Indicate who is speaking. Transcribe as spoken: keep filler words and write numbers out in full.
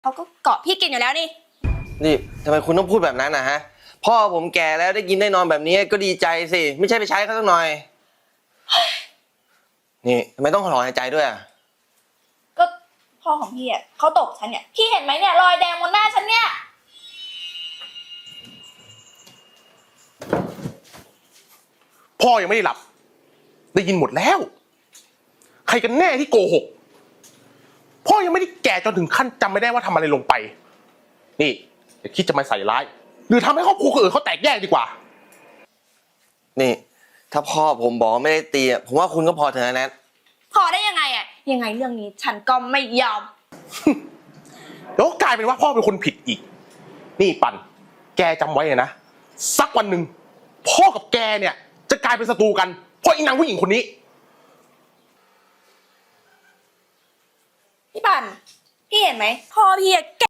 Speaker 1: เขาก็เกาะพี่กินอยู่แล้วนี่
Speaker 2: นี่ทำไมคุณต้องพูดแบบนั้นนะฮะพ่อผมแก่แล้วได้กินได้นอนแบบนี้ก็ดีใจสิไม่ใช่ไปใช้เขาสักหน่อยนี่ทำไมต้องถอนหายใจด้วยอ่ะ
Speaker 1: ก็พ่อของพี่อ่ะเขาตบฉันเนี่ยพี่เห็นไหมเนี่ยรอยแดงบนหน้าฉันเนี่ย
Speaker 3: พ่อยังไม่ได้หลับได้ยินหมดแล้วใครกันแน่ที่โกหกพ่อยังไม่ได้แก่จนถึงขั้นจำไม่ได้ว่าทำอะไรลงไปนี่อย่าคิดจะมาใส่ร้ายหรือทำให้ครอบครัวคนอื่นเขาแตกแยกดีกว่า
Speaker 2: นี่ถ้าพ่อผมบอกไม่ได้ตีผมว่าคุณก็พอเถอะนะแนท
Speaker 1: พอได้ยังไงอ่ะยังไงเรื่องนี้ฉันก็ไม่ยอม
Speaker 3: แล้วกลายเป็นว่าพ่อเป็นคนผิดอีกนี่ปันแกจำไว้เลยนะสักวันหนึ่งพ่อกับแกเนี่ยจะกลายเป็นศัตรูกันเพราะอีนางผู้หญิงคนนี้
Speaker 1: พี่ปันพี่เห็นไหมพ่อพี่